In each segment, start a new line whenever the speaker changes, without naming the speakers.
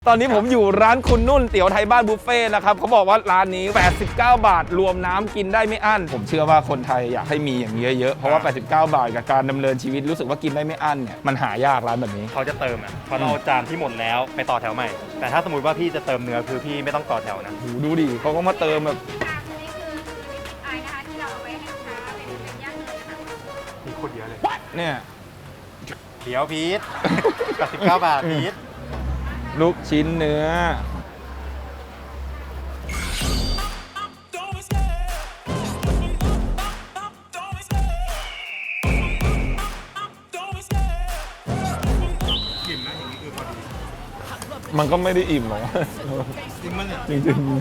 ตอนนี้ผมอยู่ร้านคุณนุ่นเตี๋ยวไทยบ้านบุฟเฟ่นะครับเขาบอกว่าร้านนี้89 บาทรวมน้ำกินได้ไม่อั้นผมเชื่อว่าคนไทยอยากให้มีอย่างนี้เยอะเพราะว่า89 บาทกับการดำเนินชีวิตรู้สึกว่ากินได้ไม่อั้นเนี่ยมันหายากร้านแบบนี้
เขาจะเติมเขาเอาจานที่หมดแล้วไปต่อแถวใหม่แต่ถ้าสมมติว่าพี่จะเติมเนื้อคือพี่ไม่ต้องต่อแถวนะ
ดูดิเขาก็มาเติมแบบ
มีคนเยอะเลย
เนี่ย
เดี๋ยวพีท89 บาทพีท
ลูกชิ้นเนื้อมันก็ไม่ได้อิ่มหรอกจริงๆ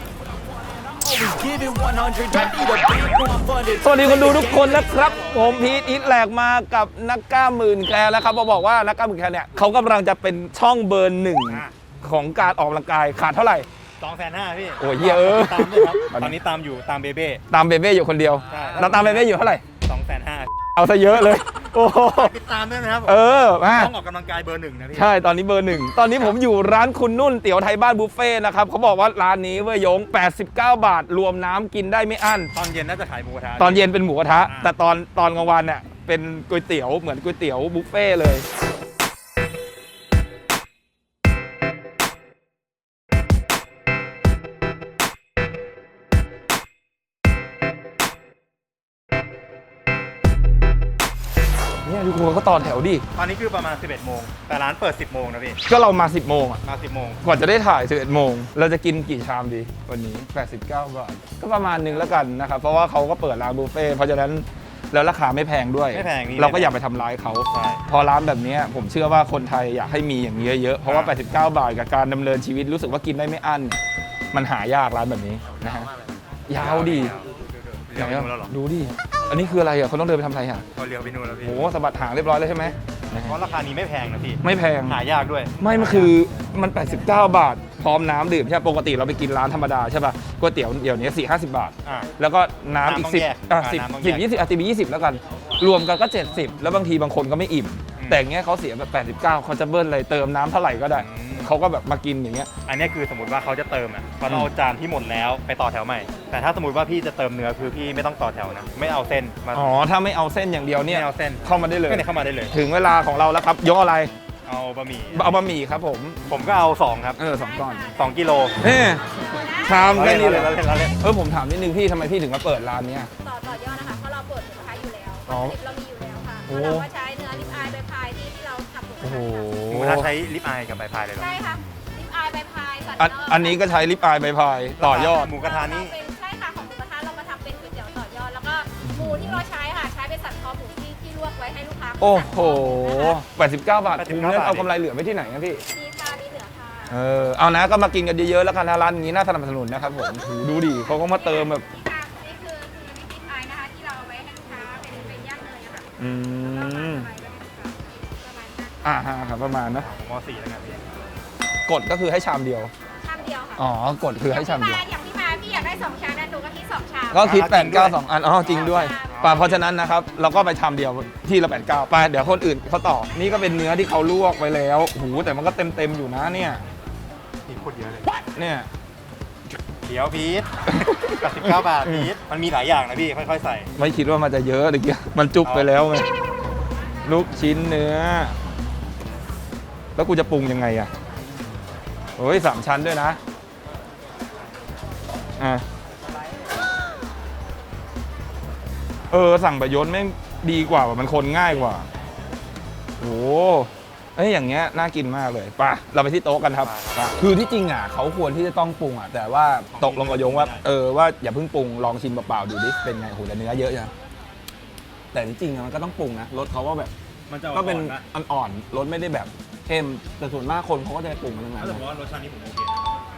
สวัสดีคนดูทุกคนนะครับผมพีทอิทแหลกมากับนักกล้าหมื่นแคร์แล้วครับบอกว่านักกล้าหมื่นแคร์เนี่ยเขากำลังจะเป็นช่องเบอร์หนึ่งของการออกกำลังกายขาดเท่าไหร่
250,000พี่
โอ้ยเยอะ
ตามด้วยครับตอนนี้ตามอยู่ตามเบเบ้
อยู่คนเดียวเราตามเบเบ้อยู่เท่าไหร่
250,000
เอาซะเยอะเลยโอ้
ติดตามด้วยนะครับ
มา
ต้องออกกำลังกายเบอร์หนึ่งนะพี่
ใช่ตอนนี้เบอร์หนึ่งตอนนี้ผมอยู่ร้านคุณนุ่นเตี๋ยวไทยบ้านบุฟเฟ่นะครับเขาบอกว่าร้านนี้เว้ยยง89 บาทรวมน้ำกินได้ไม่อั้น
ตอนเย็นน่าจะขายหมูกระทะ
ตอนเย็นเป็นหมูกระทะแต่ตอนกลางวันเนี่ยเป็นก๋วยเตี๋ยวเหมือนก๋วยเตี๋ยวบุฟเฟ่เลยเนี่ยทุกคนก็ต่อแถวดิ
ตอนนี้คือประมาณ11 โมงแต่ร้านเปิด10 โมงนะพี่
ก็เรามา10 โมงอ่ะ
มา10 โมง
กว่าจะได้ถ่าย11 โมงเราจะกินกี่ชามดีวันนี้89 บาทก็ประมาณนึงแล้วกันนะครับเพราะว่าเขาก็เปิดร้านบุฟเฟ่เพราะฉะนั้นแล้วราคาไม่แพงด้วย
ไม่แพง
เราก็อย่าไปทำร้ายเขาพอร้านแบบนี้ผมเชื่อว่าคนไทยอยากให้มีอย่างนี้เยอะเพราะว่า89 บาทกับการดำเนินชีวิตรู้สึกว่ากินได้ไม่อั้นมันหายากร้านแบบนี้นะฮะยาวดีดูดิอันนี้คืออะไรอ่ะเขาต้องเดินไปทำอะไรอ่ะ
เขาเลี้ยวไปนู่นแล้วพี่
โอ้สะบัดหางเรียบร้อยเลยใช่ไหม
เพราะราคานี้ไม่แพงนะพี่
ไม่แพง
หายากด้วย
ไม่มันคือมัน89 บาทพร้อมน้ำดื่มใช่ปกติเราไปกินร้านธรรมดาใช่ป่ะก๋วยเตี๋ยวเดี๋ยวนี้40-50 บาทแล้วก็น้ำอีก10 20ตีไป20แล้วกันรวมกันก็70แล้วบางทีบางคนก็ไม่อิ่มแต่อย่างเงี้ยเขาเสียแบบ89เขาจะเบิ้ลเลยเติมน้ำเท่าไหร่ก็ได้เขาก็แบบมากินอย่างเงี้ย
อันนี้คือสมมติว่าเขาจะเติมเขาเอาจานที่หมดแล้วไปต่อแถวใหม่แต่ถ้าสมมติว่าพี่จะเติมเนื้อคือพี่ไม่ต้องต่อแถวนะไม่เอาเส้นมา
อ๋อถ้าไม่เอาเส้นอย่างเดียวเนี่ย
ไม่เอาเส้น
เข้ามาได้เลย
เข้ามาได้เลย
ถึงเวลาของเราแล้วครับยกอะไร
เอาบะหมี่
ครับ
ผมก็เอา2ครับ
2 ก้อน
2 กิโล
ชามแค่นี้เลยผมถามนิดนึงพี่ทำไมพี่ถึงมาเปิดร้านนี้
ต่อยอดนะคะเพราะเราเปิดหมูกระทะอยู่แล้วเรามีอยู่แล้วค่ะเราก็ใช้เนื้อลิปอายใบพายที่เราทำหมูกระทะ
หมูกระทะใช้ลิปอายกับใบพายเลยเหรอ
ใช่ค่ะลิปอายใบพาย
อันนี้ก็ใช้ลิปอายใบพายต่อยอด
หมูกระทะนี้
ใช่ค่ะของหมูกระทะเรามาทำเป็นก๋วยเตี๋ยวต่อยอดแล้วก็หมูที่เราใช้ค่ะใช้เป็นสันคอหมูที่ลวกไว้ให้ลูกค้า
โอ้โห89 บาทคุ้มเนี่ยเอากำไรเหลือไว้ที่ไหนนะพี่
มีค่ะมีเหลือค่ะ
เอานะก็มากินกันเยอะๆแล้วกันนะร้านนี้น่าสนับสนุนนะครับผมดูดิเขาก็มาเติมแบบ
นี่คือลิปอายนะคะที่เราเอาไว้ให้ลูกค้าเป็นย่างเนยนะคะ
ครับประมาณนะ
ม.4แล้วกันพี่
กดก็คือให้ชามเดียว
ค่ะ
อ๋อกดคือให้ชามเดียว
อย่างพี่มาพี่อยากได้2 ชามนะหนูก็คิด2 ชาม
ก็คิด89 2 อันจริงด้วยเพราะฉะนั้นนะครับเราก็ไปชามเดียวที่ละ89ไปเดี๋ยวคนอื่นเขาต่อนี่ก็เป็นเนื้อที่เขาลวกไว้แล้วแต่มันก็เต็มอยู่นะเนี่ย
มีคนเยอะเลย
เนี่ย
เดี๋ยวพีท89 บาทพีทมันมีหลายอย่างนะพี่ค่อยๆใส่
ไม่คิดว่ามันจะเยอะเลยเกี้ยมันจุบไปแล้วไงลูกชิ้นเนื้อแล้วกูจะปรุงยังไงอ่ะโอ้ย3 ชั้นด้วยนะสั่งประยชน์ไม่ดีกว่ามันคนง่ายกว่าโอ้อย่างเงี้ยน่ากินมากเลยป่ะเราไปที่โต๊ะกันครับคือที่จริงเขาควรที่จะต้องปรุงแต่ว่าตกลงกับยงว่าว่าอย่าเพิ่งปรุงลองชิมเปล่าๆดูดิเป็นไงโหแต่เนื้อเยอะจังแต่ที่จริงมันก็ต้องปรุงนะรสเขาว่าแบบก็เป็นอ่อนๆรสไม่ได้แบบเข้มแต่ส่วนมากคนเขาก็จะปรุงกันทั้งนั้น
แต่ว่ารสชาตินี้ผมโอเค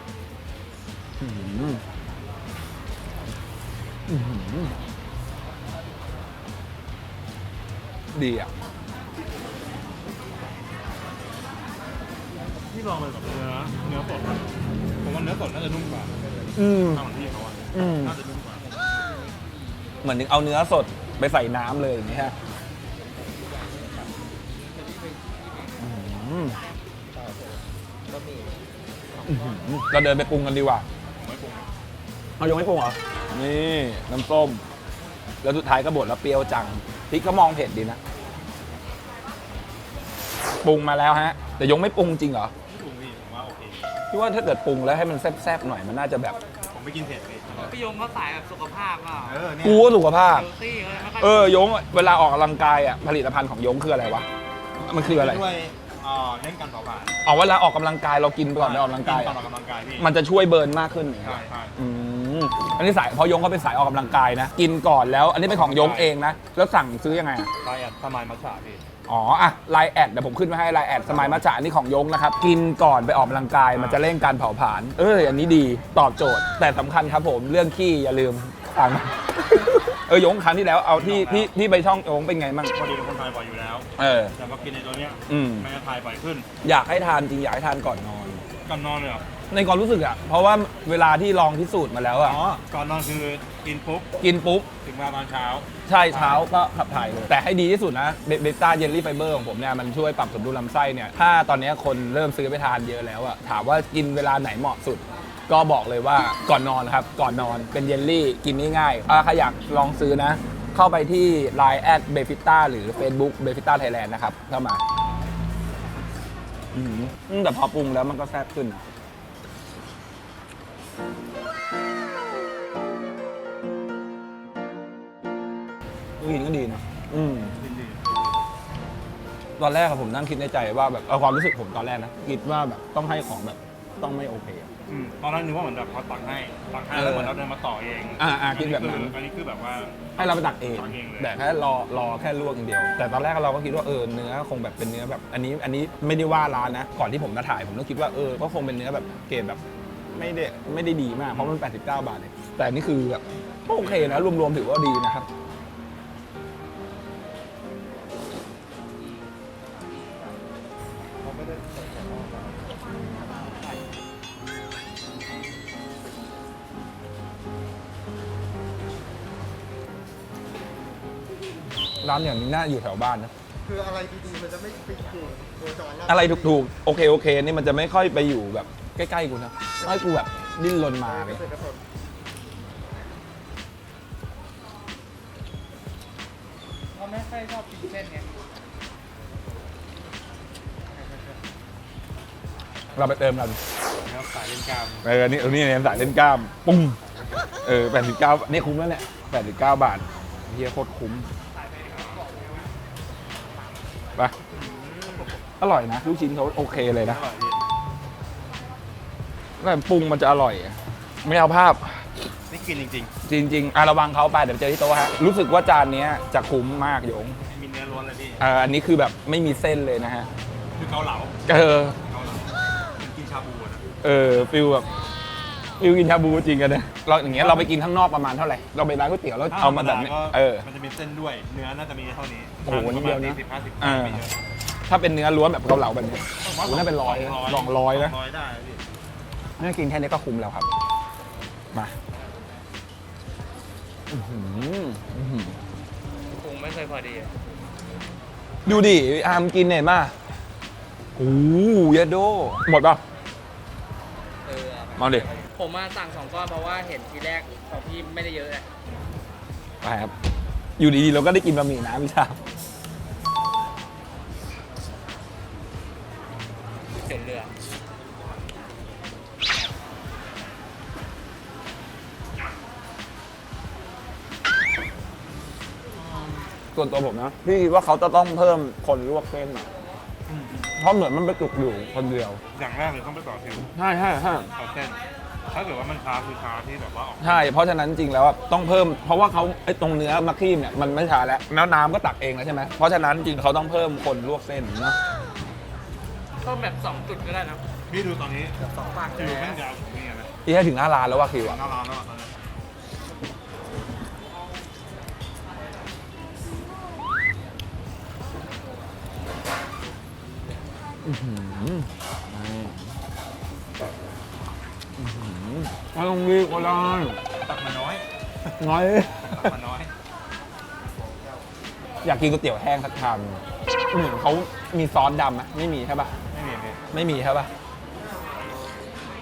ดีอ่ะ
ที่ลองเลยกับเนื้อสดผมว่าเนื้อสดน่าจะนุ่มกว่าทางของพี่เขาน่าจะนุ่มกว่า
เหมือนเอาเนื้อสดไปใส่น้ำเลยอย่างนี้ฮะอื้อหือเราเดินไปปรุงกันดีกว่า
ไม่ปรุง
เอายงไม่ปรุงเหรอ นี่น้ำส้ม แล้วสุดท้ายก็บดแล้วเปรี้ยวจังพริกก็มองเผ็ดดีนะ ปรุงมาแล้วฮะ แต่ยงไม่ปรุงจริงเหรอ
ไม่ปรุงพี่ผมว่าโอเค
พี่ว่าถ้าเกิดปรุงแล้วให้มันแซ่บๆหน่อยมันน่าจะแบบ
ผมไม่กินเผ็ดพี่
พี่ยงเขาสายแบบสุขภาพเปล่า
เนี่ย
กูก็สุขภาพ
เฮลตี้เขาเลยไม่ค่อย
ยงเวลาออกกำลังกายอ่ะผลิตภัณฑ์ของยงคืออะไรวะ มันคืออะไร
ด้วยเล่นการเผาผลาญ
อ๋อเวลาออกกำลังกายเรากินก่อนไปออกกำลังกาย
ตอ
อะ
นออกกำลังกายพี่
มันจะช่วยเบิร์นมากขึ้นอย่างเงี้
ใช่
ย
ใช่
อืมอันนี้สายเพอยงเขาเป็นสายออกกำลังกายนะ กินก่อนแล้ว อันนี้เป็นของยงเองนะ แล้วสั่งซื้อยังไงอะ
ไลน์สมายมัชฉะพี่
อ๋ออะไลน์แอดเดี๋ยวผมขึ้นมาให้ไลน์แอดสมัยมัจฉะอันนี้ของยงนะครับ กินก่อนไปออกกำลังกายมันจะเร่งการเผาผลาญอันนี้ดีตอบโจทย์ แต่สำคัญครับผมเรื่องขี้อย่าลืมสั่ง ยงครั้งที่แล้วเอาที่ไปช่องยงเป็นไงมั่ง
พอดีเป็นคนไทยบ่อยอยู่แล้ว แต่พอกินในตัวเนี้ย
อืม
มันจะทายบ่อยขึ้น
อยากให้ทานจริงอยากให้ทานก่อนนอน
ก่อนนอนเลยเหรอ
ในความรู้สึกอะเพราะว่าเวลาที่ลองพิสูจน์มาแล้วอะ
ก่อนนอนคือกินปุ๊บ
กินปุ๊บ
ถึงมาตอนเช้า
ใช่เช้าก็ขับถ่ายเลย แต่ให้ดีที่สุดนะเบต้าเยลลี่ไฟเบอร์ของผมเนี่ยมันช่วยปรับสมดุลลำไส้เนี่ยถ้าตอนนี้คนเริ่มซื้อไปทานเยอะแล้วอะถามว่ากินเวลาไหนเหมาะสุด ก็บอกเลยว่าก่อนนอนครับ ก่อนนอนเป็นเยลลี่กินง่ายๆถ้าใครอยากลองซื้อนะ เข้าไปที่ Line แอดเบฟิต้าหรือ Facebook เบฟิต้าไทยแลนด์นะครับเข้ามาแต่พอปรุงแล้วมันก็แซ่บขึ้นนะกินก็ดีนะตอนแรกอะผมนั่งคิดในใจว่าแบบเอาความรู้สึกผมตอนแรกนะคิดว่าแบบต้องให้ของแบบต้องไม่โอเคอะ
ตอนแรกนึกว่าเหมือนแบบเขาตักให้แล้วเหมือนเราเดินมาต่อเอง
คิดแบบนั้น
อันนี้คือแบบว่า
ให้เราไปตักเอง
ตักเองเลย
แต่แค่รอแค่ลวกอย่างเดียว แต่ตอนแรกเราก็คิดว่าเนื้อคงแบบเป็นเนื้อแบบอันนี้ไม่ได้ว่าร้านนะ ก่อนที่ผมจะถ่ายผมก็คิดว่าก็คงเป็นเนื้อแบบเกรดแบบไม่ได้ดีมากเพราะมัน89 บาทเองแต่อันนี่คือแบบก็โอเคนะรวมๆถือว่าดีนะครับร้านอย่างนี้น่าอยู่แถวบ้านนะ
คืออะไรดีๆมันจะไม่ไปอยู่โคจรรบ
อะไรถูกๆโอเคนี่มันจะไม่ค่อยไปอยู่แบบใกล้ๆกูนะให้กูแบบดิ้นรนมาเลย
เสร็จแล้วผม
เขาไม่ค่อยชอบกินเส้นไง
เราไปเติมกัน
แล้วสายเล่นกล้าม
นี่เนี่ยสายเล่นกล้ามปุ้ง89นี่คุ้มแล้วแหละ89 บาทเฮียโคตรคุ้มไปอร่อยนะลูกชิ้นเขาโอเคเลยนะ
อร่อยพี่
แล้วปรุงมันจะอร่อยไม่เอาภาพ
นี่กินจริง
จริงๆระวังเขาไปเดี๋ยวเจอที่โต๊ะฮะรู้สึกว่าจานนี้จะคุ้มมากโยง
ๆมีเนื้อล้วนเลยพี่
อันนี้คือแบบไม่มีเส้นเลยนะฮะ
คือเกาเหลา
เออ
เป็นกินชาบูนะ
ฟิลแบบฟิลกินชาบูจริงกันนะเราอย่างเงี้ยเราไปกินข้างนอกประมาณเท่าไหร่เราไปร้านก๋วยเตี๋ยวแล้วเอามาแบบนี้
มันจะมีเส้นด้วย เนื้อน่าจะมีเท่านี้
โอ้โหนิดเดียวนะ
40-50 ไม่เยอะ
ถ้าเป็นเนื้อล้วนแบบเกาเหลาแบบนี้โอ้โหน่าเป็น200นะ
200ได้พี่
นี่กินแค่นี้ก็คุ้มแล้วครับมาอื้อหือ
ปรุงไม่เคยพอดีอะ
ดูดิอามกินเนี่ยมาโอ้ยยาโดหมดป่ะมาดิ
ผมมาสั่ง2 ก้อนเพราะว่าเห็นทีแรกของพี่ไม่ได้เยอะเลย
ไปครับอยู่ดีๆเราก็ได้กินบะหมี่น้ำพี่ชา
เส้นเรือ
ส่วนตัวผมนะพี่คิดว่าเขาจะต้องเพิ่มคนลวกเส้นหน่อยเพราะเหมือนมันไปจุกอยู่คนเดียว
อย่างแรกเลยต้องไปต่อคิว
ใช่
ต่อเส้น ถ้าเกิดว่ามันช้าคือช้าที่แบบว่าออก
ใช่เพราะฉะนั้นจริงแล้วอะต้องเพิ่มเพราะว่าเขาไอ้ตรงเนื้อมะครีมเนี่ยมันไม่ช้าแล้วแล้วน้ำก็ตักเองแล้วใช่ไหมเพราะฉะนั้นจริงเขาต้องเพิ่มคนลวกเส้นเนาะ
เพิ่มแบบ2 จุดก็ได้นะ
พี่ดูตอนนี้
2 ปาก
คิวแม่งยาวถึงนี่นะ
พี่ให้ถึงหน้าร้านแล้วว่าคิวอะ
หน้าร้านแล้วอะตอนนี้
ไม่ต้องรีบก็ได้
ตักมาน้อย
น้อย
ตักมาน้อย
อยากกินก๋วยเตี๋ยวแห้งสักชามเขามีซอสดำไหมไม่มีใช่ปะ
ไม่มีพี่
ไม่มีใช่ปะ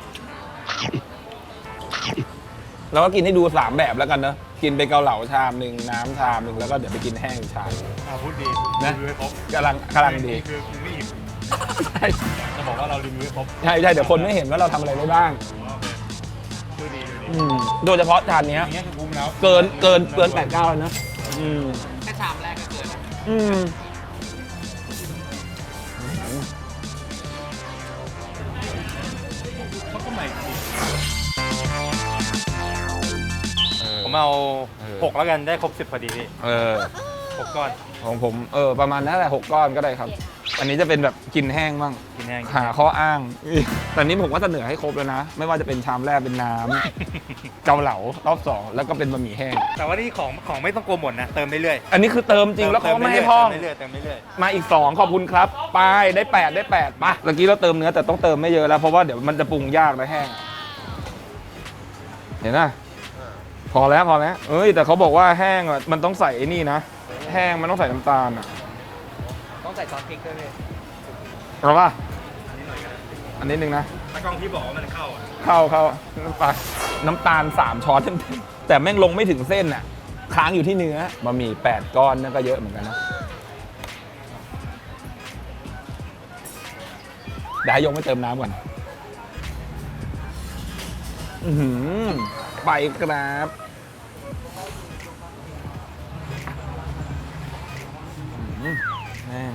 เราก็กินให้ดู3แบบแล้วกันเนอะกินเป็นเกาเหลาชามหนึ่งน้ำชามหนึ่งแล้วก็เดี๋ยวไปกินแห้งอีกชาม
พูดดี
นะ
รีวิวให้ครบ
กำลังดี
คือคุณไม่อิ่ม
ใช่
จะบอกว่าเรารีวิวให้ครบ
ใช่เดี๋ยวคนไม่เห็นว่าเราทำอะไรได้บ้าง
ดูดี
โดยเฉพาะจานเนี้ย
อย่างเงี้ยคือคุ้มแล้ว
เกิน8-9แล้วนะอืม
แค่ชามแรกก็เกินแล้ว
อืม
เขาก็ใหม่จริงผมเอา6แล้วกันได้ครบ10พอดีพี่ 6 ก้อน
ของผมประมาณนั้นแหละ6 ก้อนก็ได้ครับ อันนี้จะเป็นแบบกินแห้งบ้าง
กินแห้ง
หาข้ออ้างแต่นี้ผมว่าเสนอให้ครบแล้วนะ ไม่ว่าจะเป็นชามแรกเป็นน้ำ เกาเหลารอบ2แล้วก็เป็นบะหมี่แห้ง
แต่ว่านี่ของไม่ต้องกลัวหมดนะ เติมเรื่อย
อันนี้คือเติมจริงแล้วเขาไม่ให้พร่อง
เติมเรื่อย
มาอีก 2 ขอบคุณครับไปได้ 8 ได้ 8ป่ะเมื่อกี้เราเติมเนื้อแต่ต้องเติมไม่เยอะแล้วเพราะว่าเดี๋ยวมันจะปรุงยากนะแห้งเห็นไหมพอแล้วเอ้ยแต่เขาบอกว่าแห้งอ่ะมันต้องใส่ไอ้นี่นะแห้งมันต้องใส่น้ำตาลอ่ะ
ต้องใส่ซอสพริกด้วยพี่
เอาป่ะอันนี้หนึ่งนะ
ๆถ้ากล้องที่บอกว่ามันเข้าอ่ะ
เข้าไปน้ำตาล3 ช้อนเต็มๆแต่แม่งลงไม่ถึงเส้นน่ะค้างอยู่ที่เนื้อบะหมี่8 ก้อนนั่นก็เยอะเหมือนกันนะเดี๋ยวให้ยงไปเติมน้ำก่อนอื้อหือไปครับอื้อแม่ง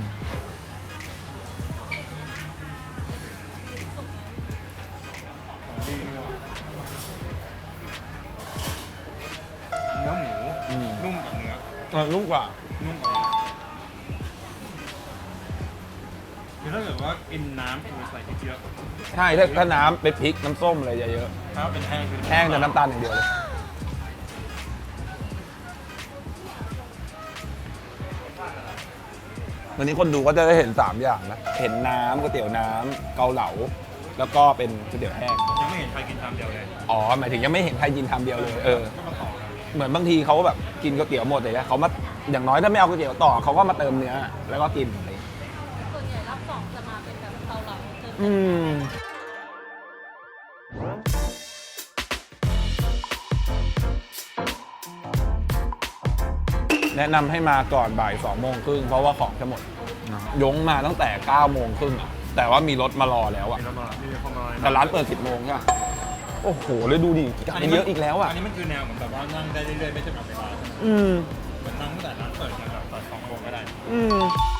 เนื้อหมูนุ่มกับเนื้อ
นุ่มกว่า
นุ่มกว่าคือถ้าเกิดว่ากินน้ำคือใส่พริกเยอะ
ใช่ถ้าน้ำเป็นพริกน้ำส้มอะไรเยอะ
ถ้าเป็นแห้งคือ
ๆแห้งแต่น้ำตาลอย่างเดียวเลยวันนี้คนดูก็จะได้เห็น3 อย่างนะเห็นน้ำก๋วยเตี๋ยวน้ำเกาเหลาแล้วก็เป็นก๋วยเตี๋ยวแห้ง
ยังไม่เห็นใครกินชามเดียวเลย
อ๋อหมายถึงยังไม่เห็นใครกินทำเดียวเลย
ก็มาต่อกัน
เหมือนบางทีเขาแบบกินก๋วยเตี๋ยวหมดเลยนะเขามาอย่างน้อยถ้าไม่เอาก๋วยเตี๋ยวต่อเขาก็มาเติมเนื้อแล้วก็กินอะไรอย่างเงี้ย
ส่วนใหญ่รอบสองจะมาเป็นแบบเกาเหลาเติม
อืมแนะนำให้มาก่อนบ่าย2 โมงครึ่งเพราะว่าของจะหมดยงมาตั้งแต่9 โมงครึ่งอะแต่ว่ามีรถมารอแล้วอะ
มีน้ำมันมีความร้อน
แต่ร้านเปิด10 โมงใช่ปะโอ้โหเลยดูดิมันเยอะอีกแล้วอะ
อันนี้มันคือแนวเหมือนแบบว่านั่งได้เรื่อยๆไม่จำกัดเวลา
อืม
เหมือนนั่งตั้งแต่ร้านเปิดจนแบบตอน2 โมงก็ได้
อืม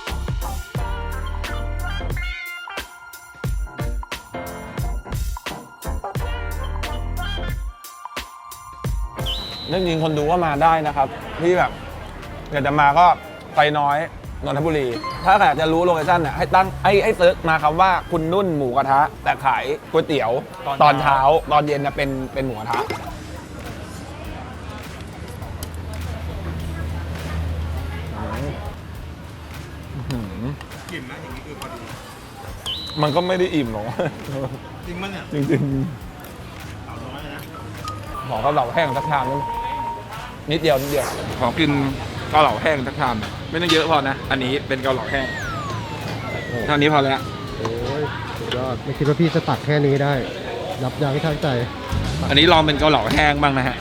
นั่นจริงคนดูว่ามาได้นะครับที่แบบอยากจะมาก็ไปน้อยนนทบุรี ถ้าอยากจะรู้โลเคชั่นเนี่ยให้ตั้งให้เซิร์ชมาคำว่าคุณนุ่นหมูกระทะ แต่ขายก๋วยเตี๋ยวตอนเช้าตอนเย็นนะเป็นหมูกระทะ
กลิ่นนะอย่างนี้คือพอดี
มันก็ไม่ได้อิ่มหรอก
จริงมั้ยเนี่ย
จริง
สาวน้อยนะ
ๆขอเกาเหลาแห้งสักชามนึงนิดเดียวขอกินเกาเหลาแห้งสักชามไม่ต้องเยอะพอนะ อันนี้เป็นเกาเหลาแห้งเท่านี้พอแล้ว
โอ้ยสุดยอดไม่คิดว่าพี่จะตักแค่นี้ได้ยับยั้งชั่งใจ
อันนี้ลองเป็นเกาเหลาแห้งบ้างนะฮะ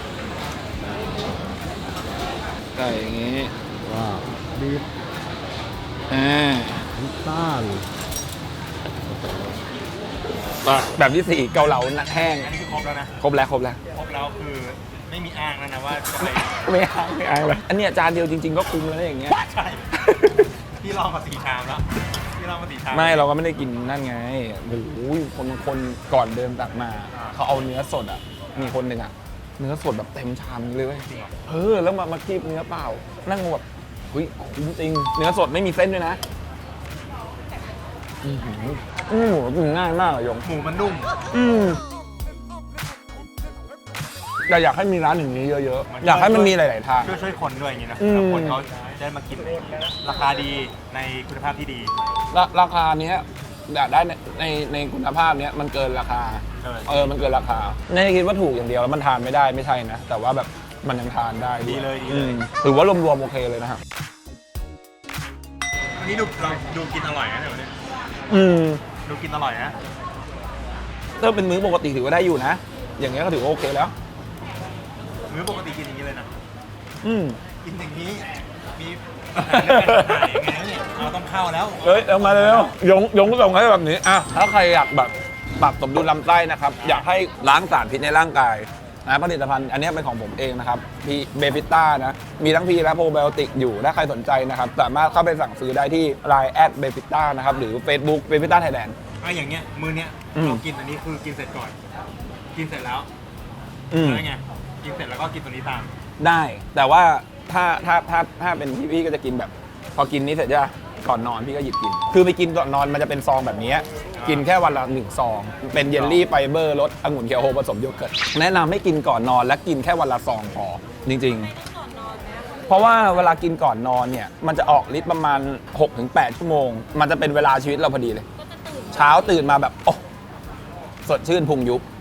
ใส่อย่างนี้
ว้าวบีบ น้ำตาล
แบบที่4เกาเหลาแห้ง
อันนี้คือครบแล้วนะ
ครบแล้ว
ครบแล้วคือไม่มีอ้างแล้วนะว่าจะไป
ไม่อายเลยอันเนี้ยจานเดียวจริงๆก็คุ้มแล้วนะอย่างเงี้ย
ใช่ พี่ลองมา4 ชามแล้วพี่ลองมา4 ชาม
ไม่เราก็ไม่ได้กินนั่นไงโอ้โหคนก่อนเดินตักมา เขาเอาเนื้อสดอ่ะ มีคนหนึ่งอ่ะ เนื้อสดแบบเต็มชามเลยเว้ยแล้วมาคีบเนื้อเปล่า นั่งแบบเฮ้ยคุ้มจริง เนื้อสดไม่มีเส้นด้วยนะหมูกินง่ายมากอะยง
หมูมันนุ่ม
แต่อยากให้มีร้านอย่างนี้เยอะๆ อยากให้มันมีหลายๆทาง
ช่วยคนด้วยอย่างนี้นะ
อืม
แล้วคนเขาได้มากินราคาดีในคุณภาพที่ดี
ราคาเนี้ยอยากได้ในคุณภาพเนี้ยมันเกินราคา มันเกินราคาไม่ได้คิดว่าถูกอย่างเดียวแล้วมันทานไม่ได้ไม่ใช่นะ แต่ว่าแบบมันยังทานได้ว
ดีเลย
ถือว่ารวมๆโอเคเลยนะครับ
อันนี้เราดูกินอร่อยนะเดี๋ยวนี้ดูกินอร่อยนะ
ถ้าเป็นมื้อปกติถือว่าได้อยู่นะ อย่างเงี้ยก็ถือว่าโอเคแล้ว
มื้อปกติกินอย่างนี้เลยนะ
อืม
กินอย่างนี้ มีปัญหาเรื่องการถ่ายยังไงเนี่ยเราต้องเข้าแล้ว
เฮ้ยเอามาเร็วๆยงส่งให้แบบนี้อ่ะถ้าใครอยากแบบปรับสมดุลลำไส้นะครับ อยากให้ล้างสารพิษในร่างกายนะผลิตภัณฑ์อันนี้เป็นของผมเองนะครับพีเบฟิต้านะมีทั้งพีและโปรไบโอติกอยู่ถ้าใครสนใจนะครับสามารถเข้าไปสั่งซื้อได้ที่ Lineเบฟิต้านะครับหรือ Facebook เบฟิต้าไทยแลนด์
อย่างเงี้ยมื้อเนี้ย
อืม
เรากินอันนี้คือกินเสร็จก่อน กินเสร็จแล้ว
อืม
แล้วไงกินเสร็จแล้วก็กินตัวนี้ตาม
ได้แต่ว่าถ้าเป็นพี่ก็จะกินแบบ พอกินนี้เสร็จจะก่อนนอนพี่ก็หยิบกิน คือไปกินก่อนนอนมันจะเป็นซองแบบนี้กินแค่วันละ1ซองเป็นเยลลี่ไฟเบอร์รสองุ่นเคียวโฮผสมโยเกิร์ตแนะนำให้กินก่อนนอนและกินแค่วันละซองพอจริงๆ เพราะว่าเวลากินก่อนนอนเนี่ยมันจะออกฤทธิ์ประมาณ 6-8 ชั่วโมง มันจะเป็นเวลาชีวิตเราพอดีเลย เช้าตื่นมาแบบโอ้สดชื่นพุงยุบ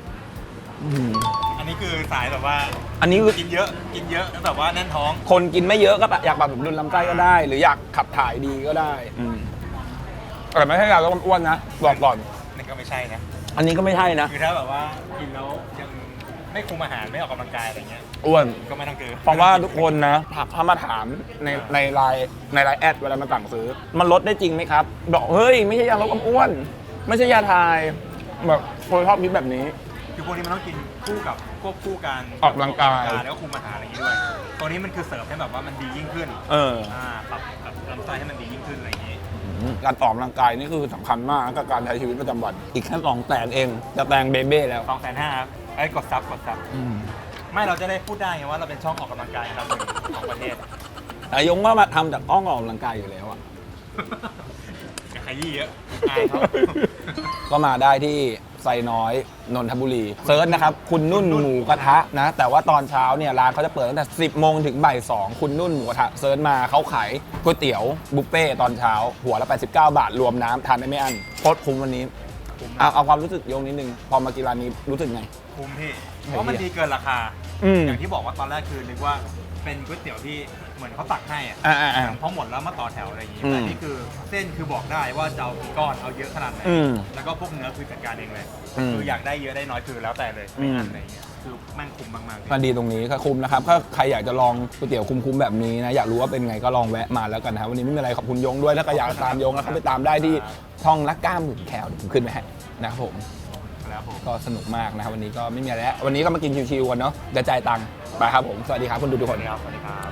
อันนี้คือสายแบบว่า
อันนี้คือ
กินเยอะแล้วแบบว่าแน่นท้อง
คนกินไม่เยอะก็อยากปรับสมดุลลำไส้ก็ได้ หรืออยากขับถ่ายดีก็ได้แต่ไม่ใช่ยาลดความอ้วนนะบอกก่อน
นี่ก็ไม่ใช่นะ
อันนี้ก็ไม่ใช่นะ
คือถ้าแบบว่ากินแล้วยังไม่คุมอาหารไม่ออกกำลังกายอะไรเงี้ย
อ้วน
ก็ไม่ต้องเกิน
เพราะว่าทุกคนนะถ้ามาถามในไลน์แอดเวลามาสั่งซื้อ มันลดได้จริงไหมครับ บอกเฮ้ยไม่ใช่ยาลดความอ้วน ไม่ใช่ยาทายแบบคนชอบคิดแบบนี้
คือพวกนี้มันต้องกินคู่กับควบคู่การ
ออกกำลังกาย
แล้วก็คุมอาหารอะไรอย่างงี้ด้วย ตัวนี้มันคือเสริมให้แบบว่ามันดียิ่งขึ้น ปรับลำไส้ให้มันดียิ่งขึ้นอะไรอย่างงี้
การออกกำลังกายนี่คือสำคัญมากกับการใช้ชีวิตประจำวัน อีกแค่2 แสนเองจะแตงเบเบ้แล้ว
250,000ครับไอ้กดซับไม่เราจะได้พูดได้ไงว่าเราเป็นช่องออกกำลังกายอันดับหนึ่งของประเทศ
แต่ยงว่ามาทำจากอ้องออกกำลังกายอยู่แล้วอะ
อย่าขยี้เยอะอายเขา
ก็มาได้ที่ไซน้อยนนทบุรีเซิร์ชนะครับคุณนุ่นหมูกระทะนะแต่ว่าตอนเช้าเนี่ยร้านเขาจะเปิดตั้งแต่ 10 โมงถึงบ่าย 2คุณนุ่นหมูกระทะเซิร์ชมาเขาขายก๋วยเตี๋ยวบุฟเฟ่ตอนเช้าหัวละ89 บาทรวมน้ำทานได้ไม่อั้นโคตรคุ้มวันนี้เอาความรู้สึกยงนิดนึงพอมากินร้านนี้รู้สึกไง
คุ้มพี่เพราะมันดีเกินราคา อย่างที่บอกว่าตอนแรกคือนึกว่าเป็นก๋วยเตี๋ยวที่เหมือนเขาตักให้อะพอหมดแล้วมาต่อแถวอะไรอย่างงี้แต่นี่คือเส้นคือบอกได้ว่าจะเอากี่ก้อนเอาเยอะขนาดไหนแล้วก็พวกเนื้อคือจัดการเองเลยคืออยากได้เยอะได้น้อยคือแล้วแต่เลยไม่อั้นอะไรอย่างเงี้ยคือแม่งคุ้มมากๆ
มันดีตรงนี้ก็คุ้มนะครับถ้าใครอยากจะลองก๋วยเตี๋ยวคุ้มๆแบบนี้นะอยากรู้ว่าเป็นไงก็ลองแวะมาแล้วกันนะครับวันนี้ไม่มีอะไรขอบคุณยงด้วยถ้าใครอยากตามยงแล้วเขาไปตามได้ที่ช่องนักกล้ามหมื่นแคลเดี๋ยวผมขึ้นไปให้นะครับผม
แล้วผม
ก็สนุกมากนะครับวันนี้ก็ไม่มีอะไรแล้ววันนี้ก็มากินชิวๆกันเนาะเดี๋ยวจ่ายตังค์ไปครับผมสวัสดีครับคุณดูทุกคน
สวัสดีครับ